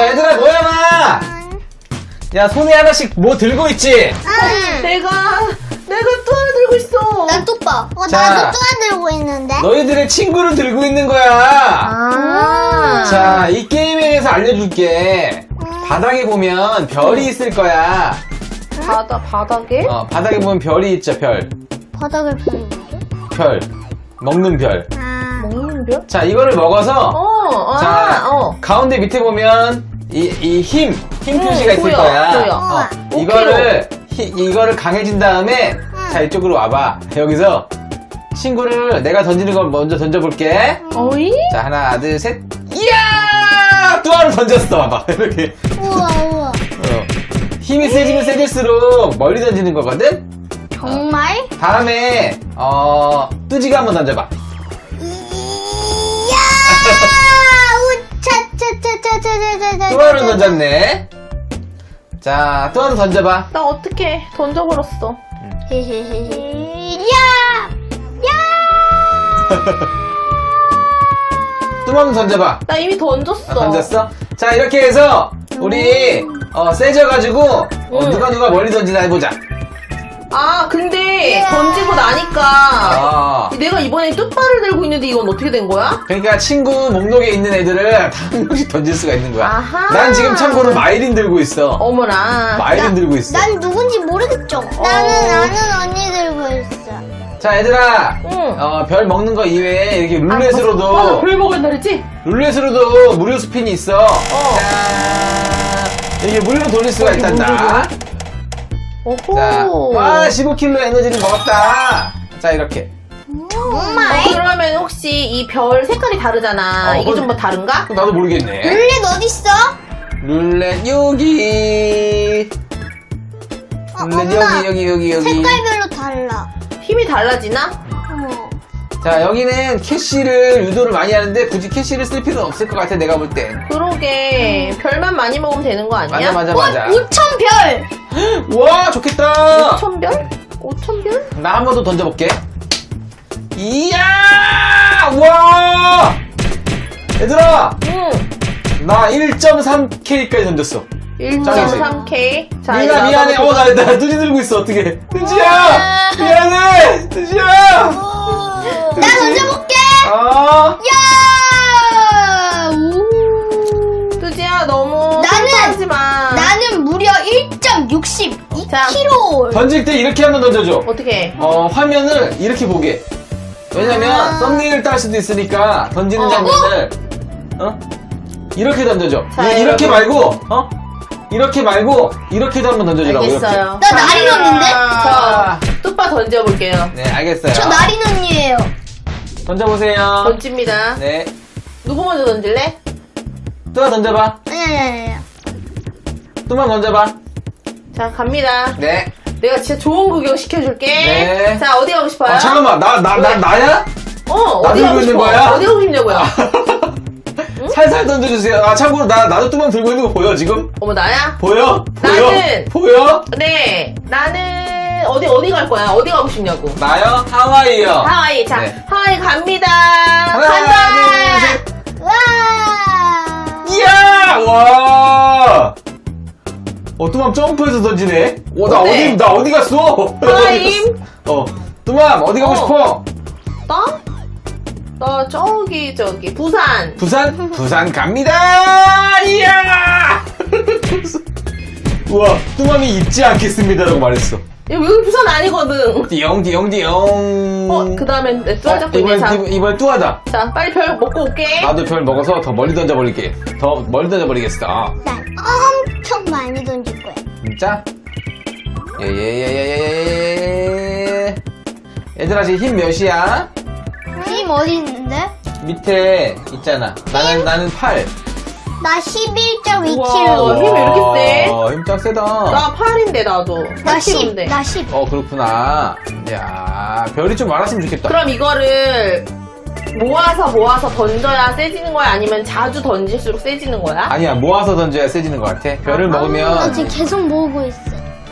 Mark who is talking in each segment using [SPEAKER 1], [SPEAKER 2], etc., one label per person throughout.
[SPEAKER 1] 자, 얘들아, 모여봐! 야, 손에 하나씩 뭐 들고 있지?
[SPEAKER 2] 내가 또 하나 들고 있어.
[SPEAKER 3] 난 뚜빠.
[SPEAKER 1] 자.
[SPEAKER 3] 나도 뚜아 들고 있는데.
[SPEAKER 1] 너희들의 친구를 들고 있는 거야.
[SPEAKER 2] 아.
[SPEAKER 1] 자, 이 게임에 대해서 알려줄게. 바닥에 보면 별이 있을 거야.
[SPEAKER 2] 바닥에?
[SPEAKER 1] 바닥에 보면 별이 있죠, 별.
[SPEAKER 3] 바닥을 별이 뭐죠?
[SPEAKER 1] 별. 먹는 별.
[SPEAKER 2] 먹는 별?
[SPEAKER 1] 자, 이거를 먹어서, 자, 가운데 밑에 보면, 힘 표시가 있을
[SPEAKER 2] 보여,
[SPEAKER 1] 거야.
[SPEAKER 2] 보여.
[SPEAKER 1] 이거를 강해진 다음에, 자, 이쪽으로 와봐. 여기서, 친구를 내가 던지는 걸 먼저 던져볼게.
[SPEAKER 2] 어이?
[SPEAKER 1] 자, 하나, 둘, 셋. 이야! 또 하나 던졌어. 봐봐. 이렇게.
[SPEAKER 3] 우와.
[SPEAKER 1] 힘이 세지면 세질수록 멀리 던지는 거거든?
[SPEAKER 3] 정말?
[SPEAKER 1] 다음에, 뚜지가 한번 던져봐.
[SPEAKER 3] 이야! 우차차차차차차차차.
[SPEAKER 1] 또 하나 던졌네. 자, 또 하나 던져봐.
[SPEAKER 2] 나 어떻게 던져버렸어.
[SPEAKER 3] 야!
[SPEAKER 1] 또 한번 던져봐.
[SPEAKER 2] 나 이미 던졌어.
[SPEAKER 1] 던졌어? 자, 이렇게 해서, 우리, 세져가지고, 누가 멀리 던지나 해보자.
[SPEAKER 2] 아, 근데 던지고 나니까 내가 이번에 뚜빠를 들고 있는데 이건 어떻게 된 거야?
[SPEAKER 1] 그러니까 친구 목록에 있는 애들을 다 한 명씩 던질 수가 있는 거야.
[SPEAKER 2] 아하.
[SPEAKER 1] 난 지금 참고로 마이린 들고 있어.
[SPEAKER 2] 어머나.
[SPEAKER 1] 마이린 들고 있어.
[SPEAKER 3] 난 누군지 모르겠죠? 나는 언니 들고 있어.
[SPEAKER 1] 자, 얘들아.
[SPEAKER 2] 응.
[SPEAKER 1] 별 먹는 거 이외에 이렇게 룰렛으로도,
[SPEAKER 2] 맞아, 별 먹을 날이지?
[SPEAKER 1] 룰렛으로도 무료 스핀이 있어. 자, 이게 무료로 돌릴 수가 있단다.
[SPEAKER 2] 오호.
[SPEAKER 1] 자, 와, 15kg 에너지를 먹었다. 자, 이렇게.
[SPEAKER 3] 정말?
[SPEAKER 2] 그러면 혹시 이 별 색깔이 다르잖아. 이게 좀 뭐 다른가?
[SPEAKER 1] 나도 모르겠네.
[SPEAKER 3] 룰렛 어딨어?
[SPEAKER 1] 룰렛 여기. 룰렛 여기.
[SPEAKER 3] 색깔별로 달라.
[SPEAKER 2] 힘이 달라지나?
[SPEAKER 1] 자, 여기는 캐시를 유도를 많이 하는데 굳이 캐시를 쓸 필요는 없을 것 같아, 내가 볼 땐.
[SPEAKER 2] 그러게. 별만 많이 먹으면 되는 거 아니야?
[SPEAKER 1] 맞아.
[SPEAKER 3] 5,000별!
[SPEAKER 1] 와, 좋겠다.
[SPEAKER 2] 5,000별? 5,000별?
[SPEAKER 1] 나 한 번 더 던져볼게. 이야! 와! 얘들아!
[SPEAKER 2] 응.
[SPEAKER 1] 나 1.3K까지 던졌어.
[SPEAKER 2] 1.3K. 자,
[SPEAKER 1] 미나 미안해. 나 뚜지 들고 있어. 어떡해. 뚜지야! 미안해! 뚜지야!
[SPEAKER 3] 나 던져볼게! 야!
[SPEAKER 2] 뚜지야, 너무 하지 마.
[SPEAKER 3] 나는 무려 1.62kg.
[SPEAKER 1] 던질 때 이렇게 한번 던져줘.
[SPEAKER 2] 어떻게?
[SPEAKER 1] 화면을 이렇게 보게. 왜냐면 썸네일 딸 수도 있으니까 던지는 장면을 이렇게 던져줘.
[SPEAKER 2] 자,
[SPEAKER 1] 이렇게
[SPEAKER 2] 여러분.
[SPEAKER 1] 말고 이렇게 말고 이렇게도 한번 던져주라고.
[SPEAKER 2] 알겠어요.
[SPEAKER 3] 나 나린 언니인데?
[SPEAKER 2] 저 뚜빠 던져볼게요.
[SPEAKER 1] 네, 알겠어요.
[SPEAKER 3] 저 나린 언니예요.
[SPEAKER 1] 던져보세요.
[SPEAKER 2] 던집니다.
[SPEAKER 1] 네,
[SPEAKER 2] 누구 먼저 던질래?
[SPEAKER 1] 뚜아 던져봐.
[SPEAKER 3] 아니.
[SPEAKER 1] 뚜만 던져봐.
[SPEAKER 2] 자, 갑니다.
[SPEAKER 1] 네.
[SPEAKER 2] 내가 진짜 좋은 구경 시켜줄게.
[SPEAKER 1] 네.
[SPEAKER 2] 자, 어디 가고 싶어요?
[SPEAKER 1] 잠깐만, 나야?
[SPEAKER 2] 어디
[SPEAKER 1] 들고
[SPEAKER 2] 가고
[SPEAKER 1] 있는
[SPEAKER 2] 싶어?
[SPEAKER 1] 거야?
[SPEAKER 2] 어디 가고 싶냐고요?
[SPEAKER 1] 살살 던져주세요. 참고로 나도 뚜만 들고 있는 거 보여 지금?
[SPEAKER 2] 어머, 나야?
[SPEAKER 1] 보여?
[SPEAKER 2] 나는-
[SPEAKER 1] 보여?
[SPEAKER 2] 네. 나는 어디 갈 거야? 어디 가고 싶냐고.
[SPEAKER 1] 나요? 하와이요.
[SPEAKER 2] 하와이. 자,
[SPEAKER 1] 네.
[SPEAKER 2] 하와이 갑니다.
[SPEAKER 1] 하나,
[SPEAKER 2] 간다.
[SPEAKER 1] 둘, 셋.
[SPEAKER 3] 와!
[SPEAKER 1] 이야! 와! 뚜맘 점프해서 던지네?
[SPEAKER 2] 어때?
[SPEAKER 1] 나 어디 갔어?
[SPEAKER 2] 하와이.
[SPEAKER 1] 뚜맘, 어디 가고 싶어?
[SPEAKER 2] 나 저기, 부산.
[SPEAKER 1] 부산 갑니다! 이야! 우와, 뚜맘이 잊지 않겠습니다라고 말했어.
[SPEAKER 2] 여기 부산 아니거든.
[SPEAKER 1] 띠용.
[SPEAKER 2] 그 다음엔 내 뚜아 잡고 있네. 자,
[SPEAKER 1] 이번 뚜아다.
[SPEAKER 2] 자, 빨리 별 먹고 올게.
[SPEAKER 1] 나도 별 먹어서 더 멀리 던져버리겠어.
[SPEAKER 3] 난 엄청 많이 던질 거야.
[SPEAKER 1] 진짜? 예. 얘들아, 지금 힘 몇이야?
[SPEAKER 3] 힘 어디 있는데?
[SPEAKER 1] 밑에 있잖아. 나는 8.
[SPEAKER 3] 나
[SPEAKER 2] 우와,
[SPEAKER 3] 11.2kg.
[SPEAKER 2] 힘이 왜 이렇게 세?
[SPEAKER 1] 힘 짱 세다.
[SPEAKER 2] 나 8인데, 나도.
[SPEAKER 3] 나 10.
[SPEAKER 2] 8kg인데.
[SPEAKER 3] 나 10.
[SPEAKER 1] 그렇구나. 야, 별이 좀 많았으면 좋겠다.
[SPEAKER 2] 그럼 이거를 모아서 던져야 세지는 거야? 아니면 자주 던질수록 세지는 거야?
[SPEAKER 1] 아니야, 모아서 던져야 세지는 것 같아. 별을
[SPEAKER 3] 나
[SPEAKER 1] 먹으면,
[SPEAKER 3] 지금 계속 모으고 있어.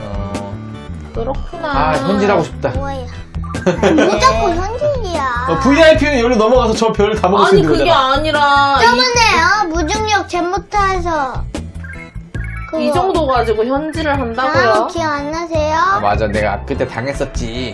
[SPEAKER 2] 그렇구나.
[SPEAKER 1] 현질하고 싶다.
[SPEAKER 3] 뭐야? 무조건 현질이야.
[SPEAKER 1] VIP는 여기로 넘어가서 저 별을 다 먹을 수
[SPEAKER 2] 아니,
[SPEAKER 1] 있는
[SPEAKER 2] 그게
[SPEAKER 1] 거잖아.
[SPEAKER 2] 아니라.
[SPEAKER 3] 저번에 무중력 잼부터 해서
[SPEAKER 2] 이 정도 가지고 현질을 한다고요?
[SPEAKER 3] 아, 기억 안 나세요?
[SPEAKER 1] 아, 맞아. 내가 그때 당했었지.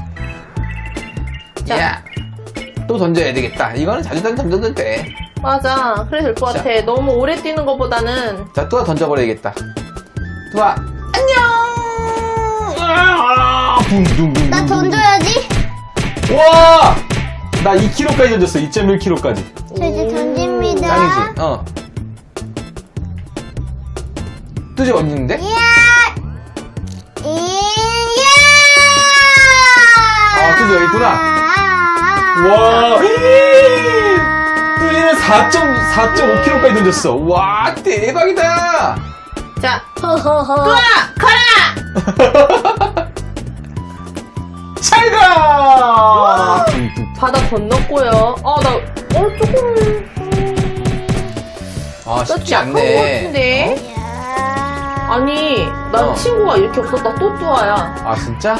[SPEAKER 2] 자.
[SPEAKER 1] 야, 또 던져야 되겠다. 이거는 자주 던져도 돼.
[SPEAKER 2] 맞아. 그래 될 것
[SPEAKER 1] 자.
[SPEAKER 2] 같아. 너무 오래 뛰는 것보다는.
[SPEAKER 1] 자, 뚜아 던져버려야겠다. 뚜아, 안녕! 아, 붕붕붕.
[SPEAKER 3] 나 던져야지.
[SPEAKER 1] 와! 나 2kg까지 던졌어. 2.1kg까지.
[SPEAKER 3] 저 이제 던집니다.
[SPEAKER 1] 짱이지? 어. 뚜지 어디 있는데?
[SPEAKER 3] 이야!
[SPEAKER 1] 아, 뚜지 여기 있구나. 와! 뚜지는 4.5kg까지 던졌어. 와, 대박이다!
[SPEAKER 2] 자,
[SPEAKER 3] 허허허.
[SPEAKER 2] 뚜아 가라!
[SPEAKER 1] 잘 가!
[SPEAKER 2] 바다 건넜고요. 조금
[SPEAKER 1] 아, 쉽지
[SPEAKER 2] 약한 것
[SPEAKER 1] 않네.
[SPEAKER 2] 같은데.
[SPEAKER 3] 이야.
[SPEAKER 2] 아니, 난
[SPEAKER 1] 어.
[SPEAKER 2] 친구가 이렇게 없었다. 또 뚜아야.
[SPEAKER 1] 아, 진짜?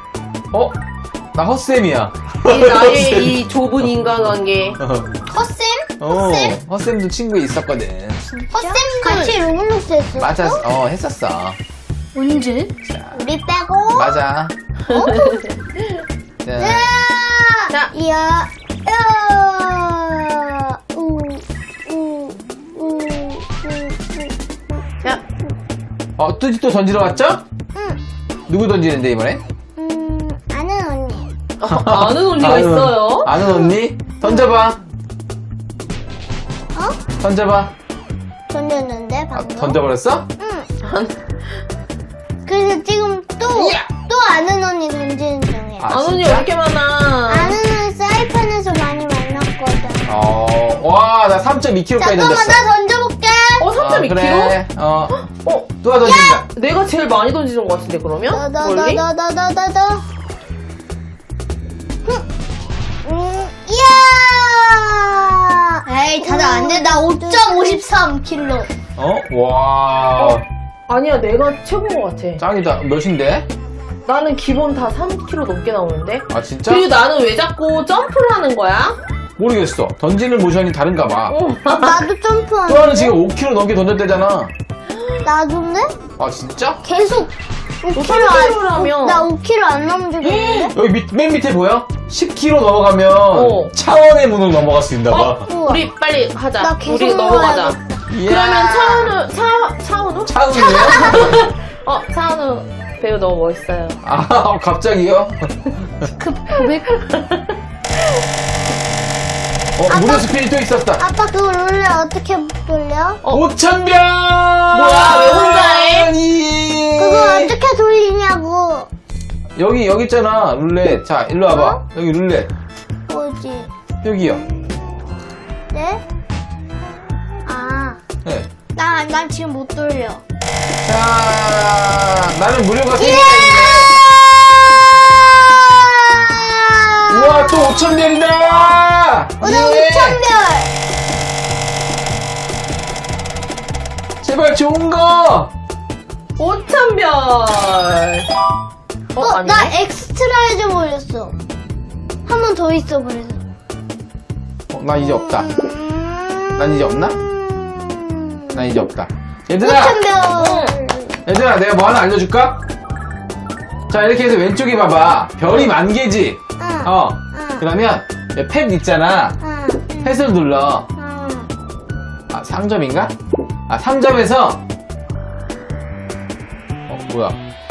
[SPEAKER 1] 나 헛쌤이야.
[SPEAKER 2] 이 나의 이 좁은 인간관계.
[SPEAKER 3] 허쌤?
[SPEAKER 1] 헛쌤도 친구에 있었거든.
[SPEAKER 3] 허쌤 같이 로블록스 했어?
[SPEAKER 1] 맞아, 했었어.
[SPEAKER 3] 언제? 우리 빼고.
[SPEAKER 1] 맞아. 자,
[SPEAKER 2] 자.
[SPEAKER 3] 이야.
[SPEAKER 2] 자,
[SPEAKER 1] 뚜지 또 던지러 왔죠?
[SPEAKER 3] 응.
[SPEAKER 1] 누구 던지는데, 이번에?
[SPEAKER 3] 아는 언니.
[SPEAKER 2] 아는 언니가 있어요.
[SPEAKER 1] 아는 언니? 던져봐.
[SPEAKER 3] 어?
[SPEAKER 1] 던져봐.
[SPEAKER 3] 던졌는데
[SPEAKER 1] 아,
[SPEAKER 3] 방금.
[SPEAKER 1] 던져버렸어?
[SPEAKER 3] 응. 그래서 지금 또 아는 언니 던지는 중이야.
[SPEAKER 1] 아,
[SPEAKER 2] 아는 언니가
[SPEAKER 1] 진짜?
[SPEAKER 2] 이렇게 많아.
[SPEAKER 3] 아는 언니 사이판에서 많이 만났거든.
[SPEAKER 1] 와, 나 3.2kg까지
[SPEAKER 3] 잠깐만
[SPEAKER 1] 던졌어.
[SPEAKER 3] 나 던져볼게.
[SPEAKER 2] 3.2kg?
[SPEAKER 1] 그래. 뚜아 던진다.
[SPEAKER 2] 내가 제일 많이 던지는 것 같은데, 그러면? 멀리?
[SPEAKER 3] 나나나나나나나. 이야. 에이 다들 안 돼. 나 5.53kg.
[SPEAKER 1] 와.
[SPEAKER 2] 아니야, 내가 최고인 것 같아.
[SPEAKER 1] 짱이다. 몇인데?
[SPEAKER 2] 나는 기본 다 3kg 넘게 나오는데?
[SPEAKER 1] 아, 진짜?
[SPEAKER 2] 그리고 나는 왜 자꾸 점프를 하는 거야?
[SPEAKER 1] 모르겠어. 던지는 모션이 다른가 봐.
[SPEAKER 3] 나도 점프하는데.
[SPEAKER 1] 뚜아는 지금 5kg 넘게 던졌대잖아.
[SPEAKER 3] 나도인데?
[SPEAKER 1] 아, 진짜?
[SPEAKER 3] 계속 5kg
[SPEAKER 2] 3kg 라면.
[SPEAKER 3] 나 5kg 안 넘어지겠는데?
[SPEAKER 1] 여기 맨 밑에 보여? 10kg 넘어가면
[SPEAKER 2] 어.
[SPEAKER 1] 차원의 문을 넘어갈 수 있나 봐.
[SPEAKER 3] 우와.
[SPEAKER 2] 우리 빨리 하자.
[SPEAKER 3] 나 계속
[SPEAKER 2] 우리 넘어가자.
[SPEAKER 3] 먹어야겠다.
[SPEAKER 2] 그러면 차은우?
[SPEAKER 1] 차은우요?
[SPEAKER 2] 차은우 배우 너무 멋있어요.
[SPEAKER 1] 아, 갑자기요?
[SPEAKER 3] 고백.
[SPEAKER 1] 무료 스피릿 또 있었다.
[SPEAKER 3] 아빠 그거 룰레 어떻게 돌려?
[SPEAKER 1] 5,000병!
[SPEAKER 2] 뭐야, 왜 혼자 해?
[SPEAKER 1] 아니.
[SPEAKER 3] 그거 어떻게 돌리냐고.
[SPEAKER 1] 여기 있잖아, 룰렛. 자, 일로 와봐. 여기 룰렛.
[SPEAKER 3] 뭐지?
[SPEAKER 1] 여기요.
[SPEAKER 3] 네? 아,
[SPEAKER 1] 네.
[SPEAKER 3] 난 지금 못 돌려.
[SPEAKER 1] 자, 나는 무료가
[SPEAKER 3] 예!
[SPEAKER 1] 3개가 있네. 우와, 또 5,000별이다!
[SPEAKER 3] 오늘 5,000별!
[SPEAKER 1] 제발 좋은 거!
[SPEAKER 2] 5,000별! 아니네?
[SPEAKER 3] 나 엑스트라에 좀 올렸어. 한 번 더 있어, 그래서.
[SPEAKER 1] 나 이제 없다. 난 이제 없나? 난 이제 없다. 얘들아!
[SPEAKER 3] 5,000별!
[SPEAKER 1] 얘들아, 내가 뭐 하나 알려줄까? 자, 이렇게 해서 왼쪽에 봐봐. 별이 10,000개지?
[SPEAKER 3] 응. 응.
[SPEAKER 1] 그러면, 펫 있잖아.
[SPEAKER 3] 응.
[SPEAKER 1] 펫을 눌러.
[SPEAKER 3] 응.
[SPEAKER 1] 아, 상점인가? 아, 상점에서, 뭐야.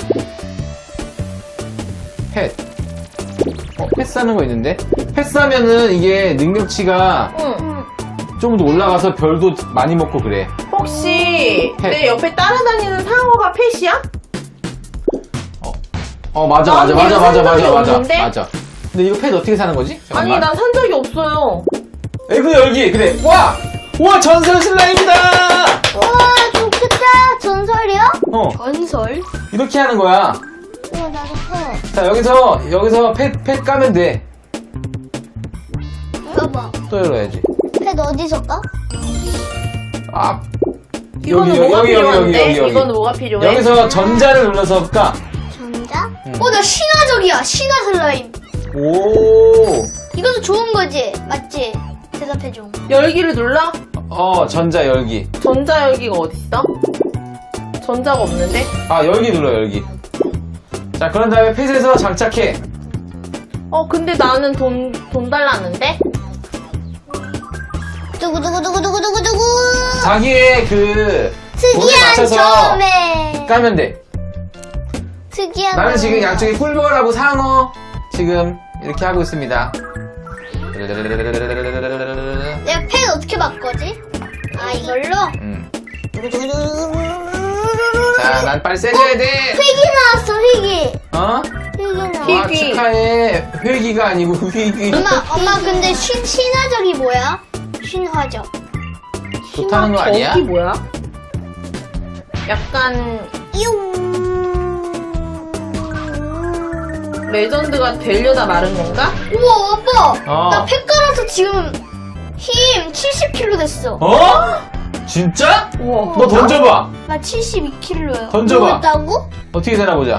[SPEAKER 1] 펫. 펫 사는 거 있는데? 펫 사면은 이게 능력치가
[SPEAKER 2] 응.
[SPEAKER 1] 좀 더 올라가서 별도 많이 먹고 그래.
[SPEAKER 2] 혹시
[SPEAKER 1] 펫.
[SPEAKER 2] 내 옆에 따라다니는 상어가 펫이야?
[SPEAKER 1] 맞아.
[SPEAKER 2] 나는 얘를 산 적이 없는데?
[SPEAKER 1] 맞아. 근데 이거 펫 어떻게 사는 거지?
[SPEAKER 2] 아니,
[SPEAKER 1] 잠깐만.
[SPEAKER 2] 난 산 적이 없어요.
[SPEAKER 1] 에그 열기 그래. 와 전설 슬라임이다.
[SPEAKER 3] 우와, 좋겠다. 전설이요? 전설?
[SPEAKER 1] 이렇게 하는 거야.
[SPEAKER 3] 우와, 나도 해.
[SPEAKER 1] 자 여기서 펫 까면 돼.
[SPEAKER 3] 봐봐.
[SPEAKER 1] 또 열어야지.
[SPEAKER 3] 펫 어디서 까?
[SPEAKER 1] 아
[SPEAKER 2] 이거는
[SPEAKER 1] 여기,
[SPEAKER 2] 뭐가
[SPEAKER 1] 여기,
[SPEAKER 2] 필요한데?
[SPEAKER 1] 여기.
[SPEAKER 2] 이거는 뭐가 필요해?
[SPEAKER 1] 여기서 전자를 눌러서 까.
[SPEAKER 3] 전자? 나 신화적이야. 신화 슬라임.
[SPEAKER 1] 오.
[SPEAKER 3] 이것도 좋은 거지? 맞지? 대답해줘.
[SPEAKER 2] 열기를 눌러?
[SPEAKER 1] 전자 열기.
[SPEAKER 2] 전자열기가 어딨어? 전자가 없는데?
[SPEAKER 1] 아, 열기 눌러, 열기. 자, 그런 다음에 펫에서 장착해.
[SPEAKER 2] 근데 나는 돈 달라는데?
[SPEAKER 3] 두구두구두구두구두구두구.
[SPEAKER 1] 자기의 돈에
[SPEAKER 3] 특이한
[SPEAKER 1] 맞춰서
[SPEAKER 3] 점에.
[SPEAKER 1] 까면 돼.
[SPEAKER 3] 특이한.
[SPEAKER 1] 나는 지금
[SPEAKER 3] 점에.
[SPEAKER 1] 양쪽에 꿀벌하고 상어 지금 이렇게 하고 있습니다.
[SPEAKER 3] 내가 펜 어떻게 바꿔지? 아, 이걸로?
[SPEAKER 1] 자, 난 빨리 세져야 돼.
[SPEAKER 3] 휘기 나왔어, 휘기.
[SPEAKER 1] 어?
[SPEAKER 3] 휘기 나왔어.
[SPEAKER 1] 와,
[SPEAKER 2] 휘기.
[SPEAKER 1] 축하해. 회기가 아니고 휘기.
[SPEAKER 3] 엄마, 근데 신화적이 뭐야? 신화적.
[SPEAKER 1] 좋다는 거 아니야?
[SPEAKER 2] 저기 뭐야? 약간 레전드가 되려다 마른 건가?
[SPEAKER 3] 우와, 아빠.
[SPEAKER 1] 어.
[SPEAKER 3] 나 펜 깔아서 지금 힘 70kg 됐어.
[SPEAKER 1] 어? 진짜?
[SPEAKER 2] 우와.
[SPEAKER 1] 너 던져봐.
[SPEAKER 3] 나 72kg야.
[SPEAKER 1] 던져봐.
[SPEAKER 3] 했다고?
[SPEAKER 1] 어떻게 되나 보자.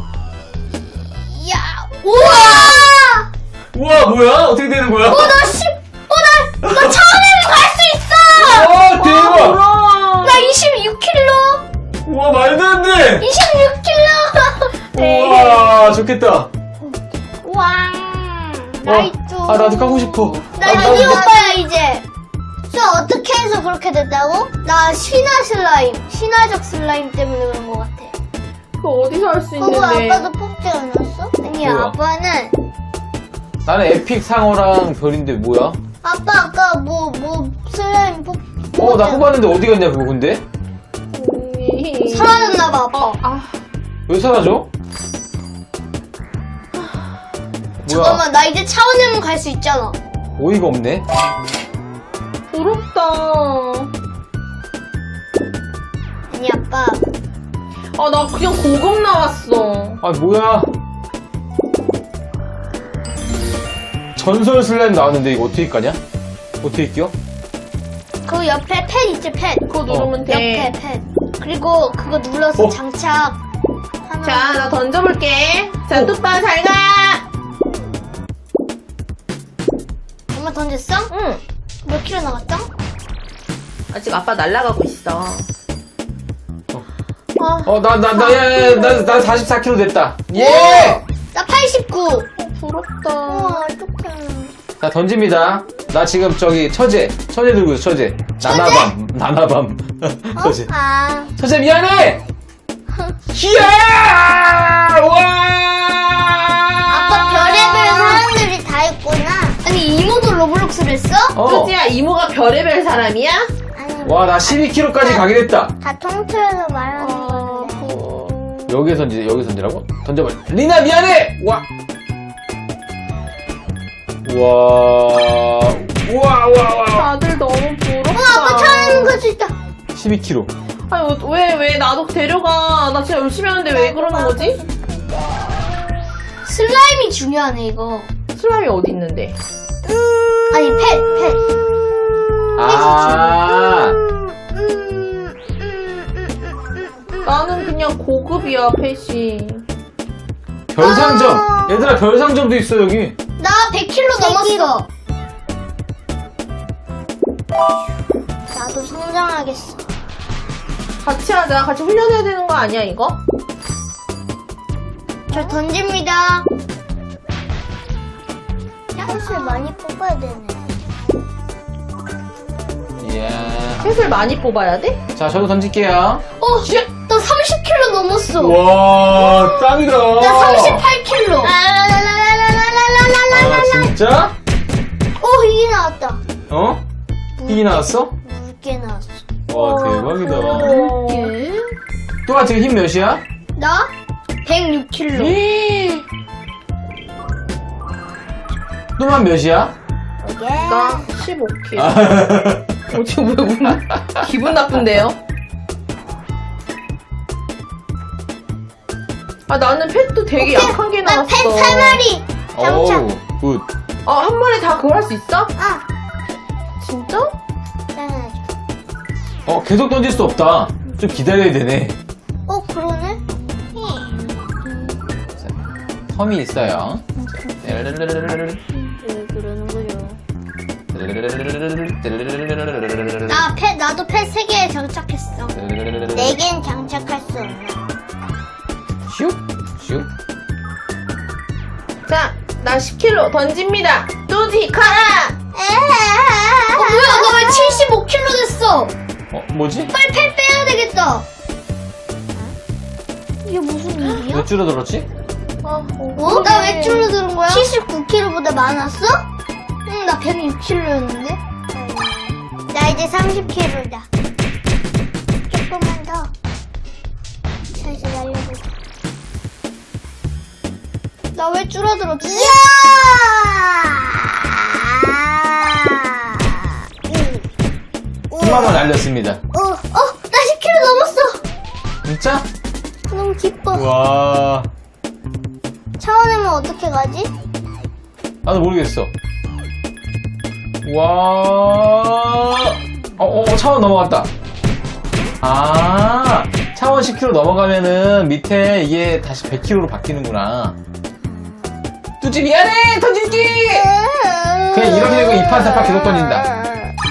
[SPEAKER 3] 야, 우와!
[SPEAKER 1] 우와, 뭐야? 어떻게 되는 거야?
[SPEAKER 3] 나 처음에는 갈 수 있어!
[SPEAKER 1] 와, 대박!
[SPEAKER 2] 우와.
[SPEAKER 3] 나 26kg!
[SPEAKER 1] 우와, 말도 안 돼!
[SPEAKER 3] 26kg!
[SPEAKER 1] 우와, 좋겠다.
[SPEAKER 3] 왕! 나이트.
[SPEAKER 1] 아, 나도 까고 싶어.
[SPEAKER 3] 나 여기 오빠야, 이제. 저 어떻게 해서 그렇게 됐다고? 나 신화적 슬라임 때문에 그런 것 같아.
[SPEAKER 2] 그거 어디서 할 수
[SPEAKER 3] 그거
[SPEAKER 2] 있는데?
[SPEAKER 3] 아빠도 뽑지 않았어? 아니,
[SPEAKER 1] 뭐야?
[SPEAKER 3] 아빠는,
[SPEAKER 1] 나는 에픽 상어랑 별인데 뭐야?
[SPEAKER 3] 아빠 아까 뭐 슬라임
[SPEAKER 1] 나 뽑았는데 어디 갔냐, 그거 근데?
[SPEAKER 3] 사라졌나봐, 아빠.
[SPEAKER 1] 왜 사라져? 뭐야?
[SPEAKER 3] 잠깐만, 나 이제 차원여행 갈 수 있잖아.
[SPEAKER 1] 어이가 없네.
[SPEAKER 2] 부럽다.
[SPEAKER 3] 아니, 아빠.
[SPEAKER 2] 나 그냥 고급 나왔어.
[SPEAKER 1] 아, 뭐야? 전설 슬라임 나왔는데 이거 어떻게 까냐? 어떻게 껴?
[SPEAKER 3] 그 옆에 펜 있지, 펜.
[SPEAKER 2] 그거 누르면 돼.
[SPEAKER 3] 옆에 펜. 그리고 그거 눌러서
[SPEAKER 1] 어.
[SPEAKER 3] 장착.
[SPEAKER 2] 자, 나 던져볼게. 자, 뚜빠 잘 가.
[SPEAKER 3] 엄마 던졌어?
[SPEAKER 2] 응.
[SPEAKER 3] 몇 킬로 나갔어?
[SPEAKER 2] 아직 아빠 날아가고 있어.
[SPEAKER 1] 나 44kg 됐다. 예!
[SPEAKER 3] 나 89.
[SPEAKER 2] 부럽다.
[SPEAKER 3] 어떡해.
[SPEAKER 1] 자, 던집니다. 나 지금 처제 들고 있어, 처제. 나나밤. 처제.
[SPEAKER 3] 아.
[SPEAKER 1] 처제 미안해! 히야! 와!
[SPEAKER 3] 아빠 별의별 사람들이 다 있구나. 아니, 이모도 로블록스를 했어?
[SPEAKER 2] 뚜지야, 이모가 별의별 사람이야?
[SPEAKER 3] 아니,
[SPEAKER 1] 와, 나 12kg까지 가게 됐다.
[SPEAKER 3] 다 통틀어서 말하는 건데.
[SPEAKER 1] 여기에 던지라고? 던져봐. 리나 미안해! 와! 우와.
[SPEAKER 2] 다들 너무 부럽다.
[SPEAKER 3] 아빠 차는 거 진짜.
[SPEAKER 1] 12kg.
[SPEAKER 2] 아니, 왜 나도 데려가. 나 진짜 열심히 하는데 왜 그러는 거지?
[SPEAKER 3] 슬라임이 중요하네, 이거.
[SPEAKER 2] 슬라임이 어디 있는데?
[SPEAKER 3] 아니, 펫.
[SPEAKER 1] 아,
[SPEAKER 2] 나는 그냥 고급이야, 펫이.
[SPEAKER 1] 별상점. 얘들아, 별상점도 있어, 여기.
[SPEAKER 3] 나 100kg 넘었어. 나도 성장하겠어.
[SPEAKER 2] 같이 하자. 같이 훈련해야 되는 거 아니야, 이거?
[SPEAKER 3] 저 던집니다. 펫을 많이 뽑아야 되네.
[SPEAKER 1] 이야.
[SPEAKER 2] 펫을 많이 뽑아야 돼?
[SPEAKER 1] 자, 저도 던질게요.
[SPEAKER 3] 나 30kg 넘었어.
[SPEAKER 1] 와, 짱이다.
[SPEAKER 3] 나 38kg.
[SPEAKER 1] 아, 진짜?
[SPEAKER 3] 이게 나왔다.
[SPEAKER 1] 어? 이게 나왔어?
[SPEAKER 3] 묽게 나왔어.
[SPEAKER 1] 와, 대박이다.
[SPEAKER 3] 예?
[SPEAKER 1] 또아 지금 힘 몇이야?
[SPEAKER 3] 나 106kg.
[SPEAKER 1] 또만 몇이야?
[SPEAKER 2] 나 15kg.
[SPEAKER 1] 아,
[SPEAKER 2] 지금 왜 기분 나쁜데요? 나는 펫도 되게 약한 게 나왔어.
[SPEAKER 3] 나 펫 3마리. 장착.
[SPEAKER 1] 오우, 굿.
[SPEAKER 2] 한 마리 다 그거 할 수 있어?
[SPEAKER 3] 아,
[SPEAKER 2] 진짜?
[SPEAKER 3] 짠하죠.
[SPEAKER 1] 계속 던질 수 없다. 좀 기다려야 되네.
[SPEAKER 3] 그러네?
[SPEAKER 1] 섬이 있어요.
[SPEAKER 3] 왜 그러는 거죠? 나도 펫 3개 장착했어. 4개는 장착할 수
[SPEAKER 2] 10kg 던집니다. 뚜지 가라.
[SPEAKER 3] 뭐야, 나 왜 75kg 됐어?
[SPEAKER 1] 뭐지?
[SPEAKER 3] 빨리 팔 빼야 되겠다. 이게 무슨 일이야?
[SPEAKER 1] 왜 줄어들었지?
[SPEAKER 3] 나 왜 줄어드는 거야? 79kg보다 많았어? 응, 나 106kg였는데. 나 이제 30kg다. 조금만 더. 다시 날려보자. 나 왜 줄어들었지? 이야!
[SPEAKER 1] 10만 원 날렸습니다.
[SPEAKER 3] 나 10kg 넘었어.
[SPEAKER 1] 진짜?
[SPEAKER 3] 너무 기뻐.
[SPEAKER 1] 와,
[SPEAKER 3] 차원에면 어떻게 가지?
[SPEAKER 1] 나도 모르겠어. 와, 차원 넘어갔다. 아, 차원 10kg 넘어가면은 밑에 이게 다시 100kg로 바뀌는구나. 뚜지 미안해, 던질게. 그냥 이렇게 되고 2판 3판 계속 던진다.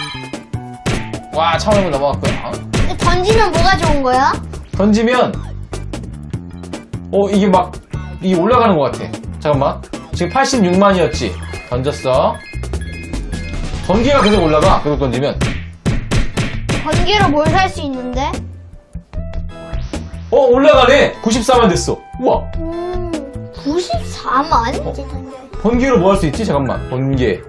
[SPEAKER 1] 와, 차원을 넘어갔고요.
[SPEAKER 3] 던지면 뭐가 좋은 거야?
[SPEAKER 1] 던지면 이게 올라가는 것 같아. 잠깐만, 지금 86만이었지. 던졌어. 번개가 계속 올라가. 계속 던지면.
[SPEAKER 3] 번개로 뭘 살 수 있는데?
[SPEAKER 1] 올라가네. 94만 됐어. 우와.
[SPEAKER 3] 94만?
[SPEAKER 1] 번개로 뭐 할 수 있지? 잠깐만. 번개.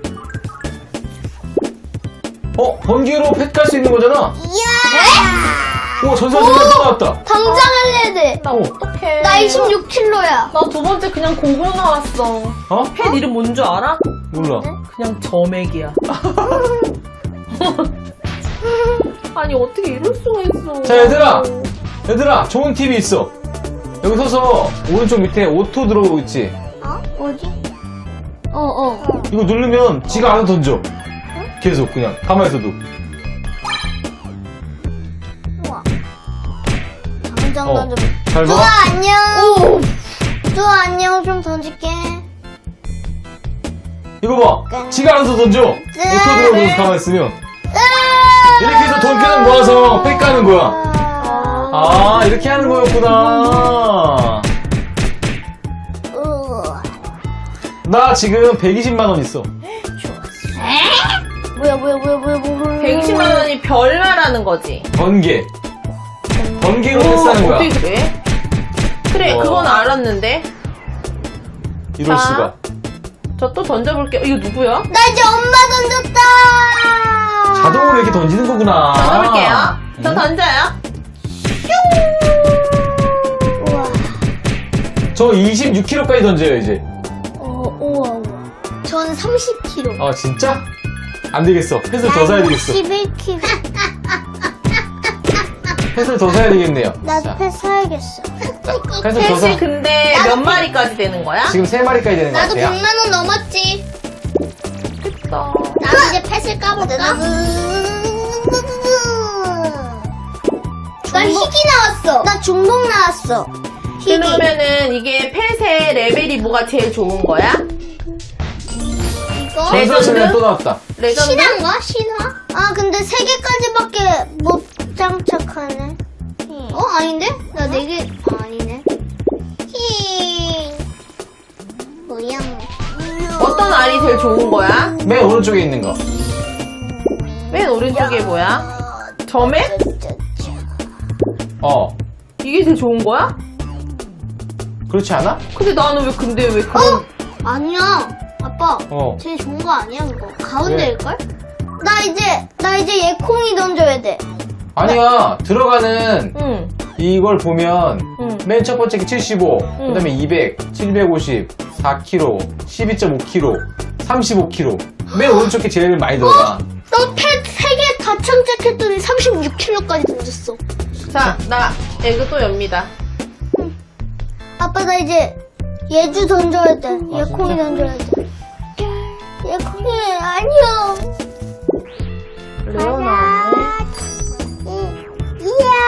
[SPEAKER 1] 번개로 펫 갈 수 있는 거잖아.
[SPEAKER 3] 이야!
[SPEAKER 1] 우와, 전설생활 또 나왔다.
[SPEAKER 3] 당장 할래 돼.
[SPEAKER 2] 나 어떡해.
[SPEAKER 3] 나 26kg야.
[SPEAKER 2] 나 두 번째 그냥 고고 나왔어. 펫 이름 뭔 줄 알아?
[SPEAKER 1] 몰라.
[SPEAKER 2] 그냥 점액이야. 아니 어떻게 이럴 수가 있어.
[SPEAKER 1] 자, 얘들아, 좋은 팁이 있어. 여기 서서 오른쪽 밑에 오토 들어오고 있지?
[SPEAKER 3] 어디?
[SPEAKER 1] 이거 누르면 지가 알아서 던져. 계속 그냥 가만히 있어도.
[SPEAKER 3] 우와. 당장 던져.
[SPEAKER 1] 잘 봐.
[SPEAKER 3] 뚜아 안녕. 뚜아 안녕. 좀 던질게.
[SPEAKER 1] 이거 봐. 지가 알아서 던져. 오토 들어오면서 가만히 있으면. 이렇게 해서 돈 계속 모아서 팩 가는 거야. 아, 이렇게 하는 거였구나. 나 지금 120만 원 있어.
[SPEAKER 3] 뭐야.
[SPEAKER 2] 120만 원이 별말하는 거지.
[SPEAKER 1] 번개로 패스하는 거야.
[SPEAKER 2] 어떻게 그래? 그래,
[SPEAKER 1] 와.
[SPEAKER 2] 그건 알았는데.
[SPEAKER 1] 이럴
[SPEAKER 2] 자.
[SPEAKER 1] 수가.
[SPEAKER 2] 저 또 던져볼게요. 이거 누구야?
[SPEAKER 3] 나 이제 엄마 던졌다.
[SPEAKER 1] 자동으로 이렇게 던지는 거구나.
[SPEAKER 2] 던져볼게요. 저 던져요.
[SPEAKER 3] 우와.
[SPEAKER 1] 저 26kg까지 던져요, 이제.
[SPEAKER 3] 우와. 전 30kg.
[SPEAKER 1] 아, 진짜? 안 되겠어. 펫을 더 사야 되겠어.
[SPEAKER 3] 11kg.
[SPEAKER 1] 펫을 더 사야 되겠네요.
[SPEAKER 3] 나도
[SPEAKER 1] 자,
[SPEAKER 3] 펫 사야겠어.
[SPEAKER 1] 자, 펫을 더 사.
[SPEAKER 2] 펫이 근데 몇 마리까지 되는 거야?
[SPEAKER 1] 지금 3마리까지 되는 것
[SPEAKER 3] 나도
[SPEAKER 1] 같아요.
[SPEAKER 3] 100만 원 넘었지.
[SPEAKER 2] 좋겠다.
[SPEAKER 3] 나도 이제 펫을 까볼까? 나 희귀 나왔어. 나 중복 나왔어. 희귀.
[SPEAKER 2] 그러면은 이게 펫의 레벨이 뭐가 제일 좋은 거야?
[SPEAKER 3] 이거?
[SPEAKER 1] 전설체면 또 나왔다.
[SPEAKER 2] 레전드?
[SPEAKER 3] 신화인가? 신화? 아 근데 3개까지밖에 못 장착하네. 아닌데? 나 4개. 아니네. 뭐야?
[SPEAKER 2] 어떤 알이 제일 좋은 거야?
[SPEAKER 1] 맨 오른쪽에 있는 거.
[SPEAKER 2] 맨 오른쪽에 뭐야? 점액? 이게 제일 좋은 거야?
[SPEAKER 1] 그렇지 않아?
[SPEAKER 2] 근데 왜 그런
[SPEAKER 3] 아니야. 아빠.
[SPEAKER 1] 어.
[SPEAKER 3] 제일 좋은 거 아니야 그거. 가운데일걸? 나 이제 얘콩이 던져야 돼.
[SPEAKER 1] 아니야. 들어가는
[SPEAKER 2] 응.
[SPEAKER 1] 이걸 보면
[SPEAKER 2] 응.
[SPEAKER 1] 맨 첫 번째 게 75, 그 다음에 200, 750, 4kg, 12.5kg, 35kg. 맨 오른쪽 게 제일 많이 들어가.
[SPEAKER 3] 너 펫 3개 다 장착했더니 36kg까지 던졌어.
[SPEAKER 2] 자, 나 이거 또 엽니다.
[SPEAKER 3] 아빠 나 이제 예주 던져야 돼. 얘콩이
[SPEAKER 1] 진짜?
[SPEAKER 3] 던져야 돼. 얘콩이 안녕.
[SPEAKER 2] 레오 나왔네.
[SPEAKER 3] 이야.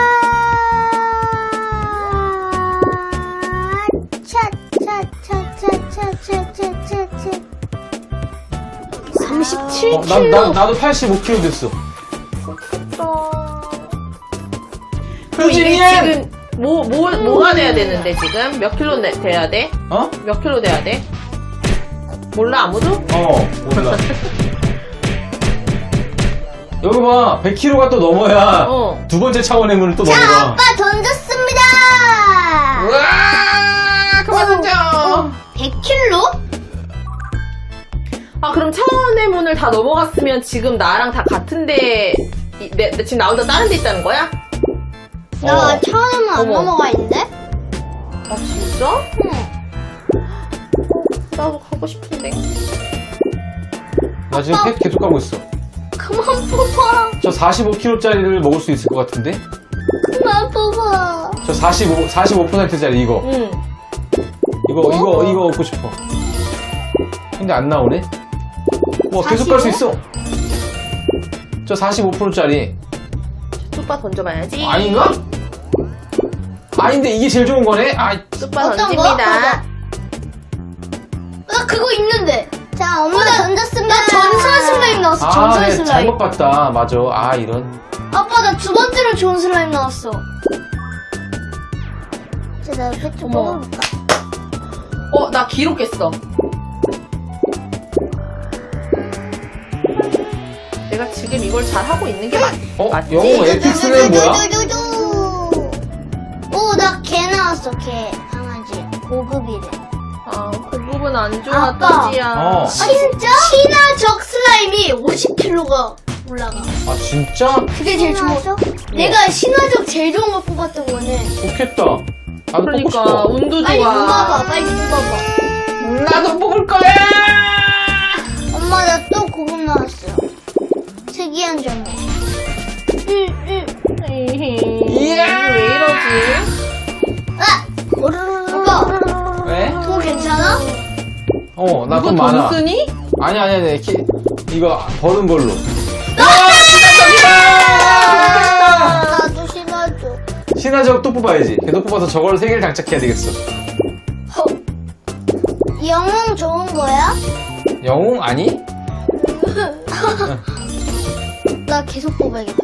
[SPEAKER 3] 차차차차차차차차. 37kg.
[SPEAKER 1] 나도 85kg 됐어.
[SPEAKER 2] 그럼 이게
[SPEAKER 1] 뚜지님!
[SPEAKER 2] 지금 뭐가 돼야 되는데 지금? 몇 킬로 돼야 돼?
[SPEAKER 1] 어?
[SPEAKER 2] 몇 킬로 돼야 돼? 몰라, 아무도?
[SPEAKER 1] 몰라. 여기 봐, 100kg가 또 넘어야
[SPEAKER 2] 어.
[SPEAKER 1] 두 번째 차원의 문을 또
[SPEAKER 3] 자,
[SPEAKER 1] 넘어가.
[SPEAKER 3] 아빠 던졌습니다.
[SPEAKER 2] 우와, 그만 던져.
[SPEAKER 3] 100kg?
[SPEAKER 2] 아, 그럼 차원의 문을 다 넘어갔으면 지금 나랑 다 같은데, 내 지금 나 혼자 다른 데 있다는 거야?
[SPEAKER 3] 나 처음에는 안
[SPEAKER 2] 어머.
[SPEAKER 3] 넘어가 있는데?
[SPEAKER 2] 아, 진짜?
[SPEAKER 3] 응.
[SPEAKER 2] 나도 가고 싶은데.
[SPEAKER 1] 나 지금 팩 계속 가고 있어.
[SPEAKER 3] 그만 뽑아.
[SPEAKER 1] 저 45kg짜리를 먹을 수 있을 것 같은데?
[SPEAKER 3] 그만 뽑아.
[SPEAKER 1] 저 45%짜리 이거.
[SPEAKER 2] 응.
[SPEAKER 1] 이거 얻고 싶어. 근데 안 나오네? 와, 계속 갈 수 있어. 저 45%짜리.
[SPEAKER 2] 뚜빠 던져봐야지.
[SPEAKER 1] 아닌가? 아닌데 이게 제일 좋은 거네? 아,
[SPEAKER 2] 뚜빠
[SPEAKER 3] 어떤 거?
[SPEAKER 2] 던집니다.
[SPEAKER 3] 나 그거 있는데. 자, 엄마 던졌습니다. 나 전설 슬라임 나왔어. 전설
[SPEAKER 1] 네,
[SPEAKER 3] 슬라임.
[SPEAKER 1] 잘못 봤다. 맞아. 아, 이런.
[SPEAKER 3] 아빠, 나 두 번째로 좋은 슬라임 나왔어. 자, 나 팩좀
[SPEAKER 2] 어머.
[SPEAKER 3] 뽑아볼까?
[SPEAKER 2] 나 기록했어. 내가 지금 이걸 잘 하고 있는 게 맞지?
[SPEAKER 1] 영웅 에픽스는 뭐야?
[SPEAKER 3] 오, 나 개 나왔어, 개. 강아지. 고급이래.
[SPEAKER 2] 아, 고급은 안 좋아,
[SPEAKER 3] 아빠.
[SPEAKER 2] 또지야.
[SPEAKER 3] 진짜? 신화적 슬라임이 50kg가 올라가.
[SPEAKER 1] 아, 진짜?
[SPEAKER 3] 그게 제일 좋아. 내가 신화적 제일 좋은 거 뽑았던 거는.
[SPEAKER 1] 좋겠다. 나도 뽑고
[SPEAKER 2] 그러니까,
[SPEAKER 1] 싶어.
[SPEAKER 2] 운도
[SPEAKER 3] 빨리
[SPEAKER 2] 좋아.
[SPEAKER 3] 뽑아봐, 빨리 뽑아봐.
[SPEAKER 1] 나도 뽑을 거야!
[SPEAKER 3] 엄마, 나 또 고급 나왔어. 특이한 점이.
[SPEAKER 1] 이야!
[SPEAKER 2] 왜 이러지?
[SPEAKER 3] 아! 아빠,
[SPEAKER 1] 왜?
[SPEAKER 3] 돈 괜찮아?
[SPEAKER 1] 나
[SPEAKER 2] 누구
[SPEAKER 1] 돈
[SPEAKER 2] 돈
[SPEAKER 1] 많아.
[SPEAKER 2] 쓰니?
[SPEAKER 1] 아니. 이거 버는 걸로.
[SPEAKER 3] 나도 신화적.
[SPEAKER 1] 신화적 또 뽑아야지. 걔도 뽑아서 저걸 3개를 장착해야 되겠어.
[SPEAKER 3] 영웅 좋은 거야?
[SPEAKER 1] 영웅? 아니?
[SPEAKER 3] 나 계속 뽑아야겠다.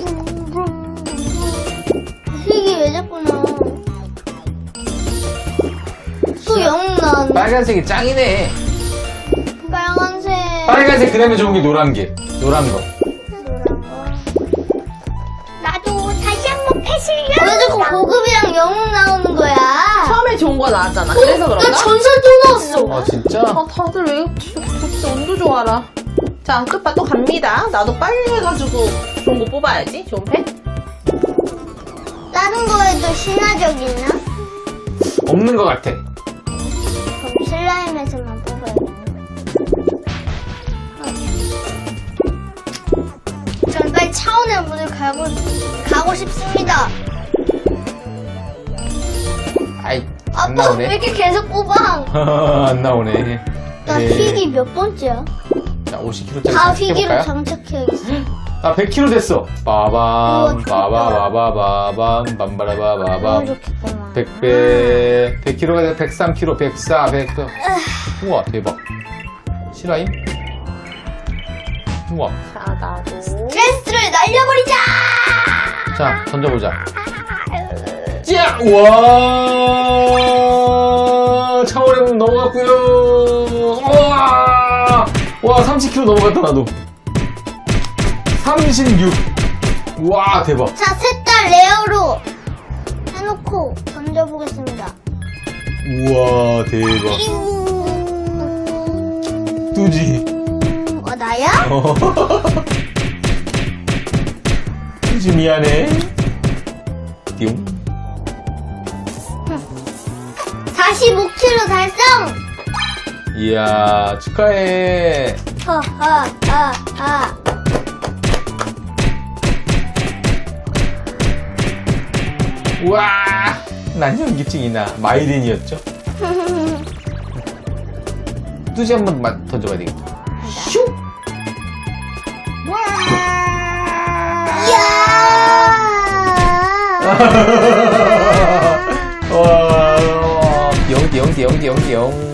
[SPEAKER 3] 색이 왜 자꾸 나와? 또 영웅 나왔네.
[SPEAKER 1] 빨간색이 짱이네.
[SPEAKER 3] 빨간색.
[SPEAKER 1] 빨간색 그 다음에 좋은 게 노란 거.
[SPEAKER 3] 노란 거. 나도 다시 한번 패슬려. 왜 자꾸 고급이랑 영웅 나오는 거야?
[SPEAKER 2] 처음에 좋은 거 나왔잖아. 그래서 그런가?
[SPEAKER 3] 나 전설 또 나왔어.
[SPEAKER 1] 아, 진짜?
[SPEAKER 2] 아, 다들 왜 진짜 운도 좋아라. 자, 뚜빠 또 갑니다. 나도 빨리 해가지고 좋은 거 뽑아야지. 좋은 팩.
[SPEAKER 3] 다른 거에도 신화적 있나?
[SPEAKER 1] 없는 것 같아.
[SPEAKER 3] 그럼 슬라임에서만 뽑아야겠네. 전 빨리 차원의 문을 가고 싶습니다.
[SPEAKER 1] 아이, 안
[SPEAKER 3] 아빠 왜
[SPEAKER 1] 나오네.
[SPEAKER 3] 이렇게 계속 뽑아?
[SPEAKER 1] 안 나오네.
[SPEAKER 3] 나 희귀 몇 번째야?
[SPEAKER 1] 자, 50kg짜리
[SPEAKER 3] 다 희귀로
[SPEAKER 1] 장착해볼까요?
[SPEAKER 3] 장착해야겠어.
[SPEAKER 1] 나 100kg 됐어. 빠밤,
[SPEAKER 3] 우와,
[SPEAKER 1] 빠바바바바밤,
[SPEAKER 3] 너무
[SPEAKER 1] 밤바라바바밤.
[SPEAKER 3] 좋겠구나.
[SPEAKER 1] 100배, 100kg가 103kg, 104, 100. 우와, 대박. 실화임? 우와.
[SPEAKER 2] 자, 나도.
[SPEAKER 3] 스트레스를 날려버리자!
[SPEAKER 1] 자, 던져보자. 짜! 우와! 차원의 문 넘어갔고요. 우와! 와, 30kg 넘어갔다, 나도. 36. 우와, 대박.
[SPEAKER 3] 자, 셋 다 레어로 해놓고 던져보겠습니다.
[SPEAKER 1] 우와, 대박. 뚜지.
[SPEAKER 3] 나야?
[SPEAKER 1] 뚜지 미안해. 띠용.
[SPEAKER 3] 45kg 달성!
[SPEAKER 1] 이야, 축하해. 우와, 난 현기증이나. 마이린이었죠? 뚜지 한 번 던져봐야 되겠다. 슉! 와, 띠용.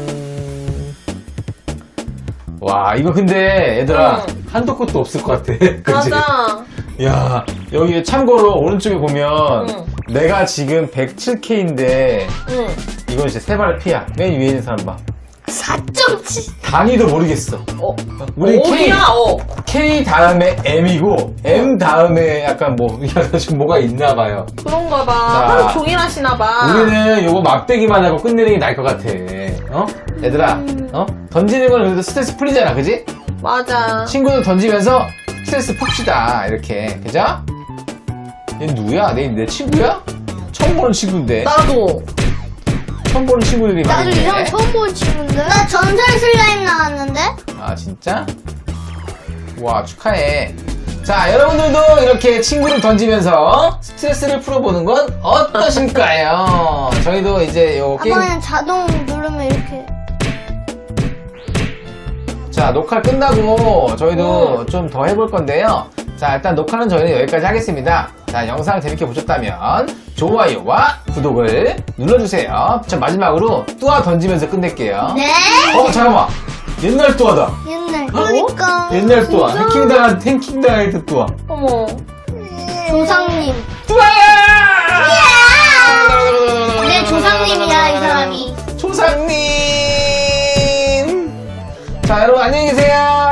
[SPEAKER 1] 와, 이거 근데 얘들아, 한도 끝도 없을 것 같아. 그치?
[SPEAKER 2] 맞아.
[SPEAKER 1] 야, 여기 참고로 오른쪽에 보면
[SPEAKER 2] 응.
[SPEAKER 1] 내가 지금 107K인데
[SPEAKER 2] 응.
[SPEAKER 1] 이건 이제 세 발 피야. 맨 위에 있는 사람 봐.
[SPEAKER 3] 4.7.
[SPEAKER 1] 단위도 모르겠어. 우리
[SPEAKER 2] 어디야?
[SPEAKER 1] K 다음에 M이고 M 다음에 약간 뭐 약간 좀 뭐가 있나 봐요.
[SPEAKER 2] 그런가 봐.
[SPEAKER 1] 자,
[SPEAKER 2] 하루 종일 하시나 봐.
[SPEAKER 1] 우리는 요거 막대기만 하고 끝내는 게 나을 것 같아. 얘들아, 던지는 건 그래도 스트레스 풀리잖아, 그지?
[SPEAKER 2] 맞아.
[SPEAKER 1] 친구들 던지면서 스트레스 풉시다. 이렇게, 그죠? 얘 누구야? 내 친구야? 처음 보는 친구인데.
[SPEAKER 2] 나도.
[SPEAKER 1] 처음 보는 친구들이
[SPEAKER 3] 나도
[SPEAKER 1] 많은데.
[SPEAKER 3] 이런 처음 본 친구인데. 나 전설 슬라임 나왔는데.
[SPEAKER 1] 아, 진짜? 와, 축하해. 자, 여러분들도 이렇게 친구를 던지면서 스트레스를 풀어보는 건 어떠실까요? 저희도 이제 요 게임.
[SPEAKER 3] 아빠는 자동 누르면 이렇게.
[SPEAKER 1] 자, 녹화 끝나고 저희도 좀 더 해볼 건데요. 자, 일단 녹화는 저희는 여기까지 하겠습니다. 자, 영상 재밌게 보셨다면 좋아요와 구독을 눌러주세요. 자, 마지막으로 뚜아 던지면서 끝낼게요.
[SPEAKER 3] 네.
[SPEAKER 1] 잠깐만. 옛날 뚜아다.
[SPEAKER 3] 옛날. 그러니까.
[SPEAKER 1] 옛날 뚜아. 해킹당할 때 뚜아.
[SPEAKER 2] 어머.
[SPEAKER 3] 조상님.
[SPEAKER 1] 뚜아야!
[SPEAKER 3] 내 조상님이야 이 사람이.
[SPEAKER 1] 조상님! 자, 여러분 안녕히 계세요.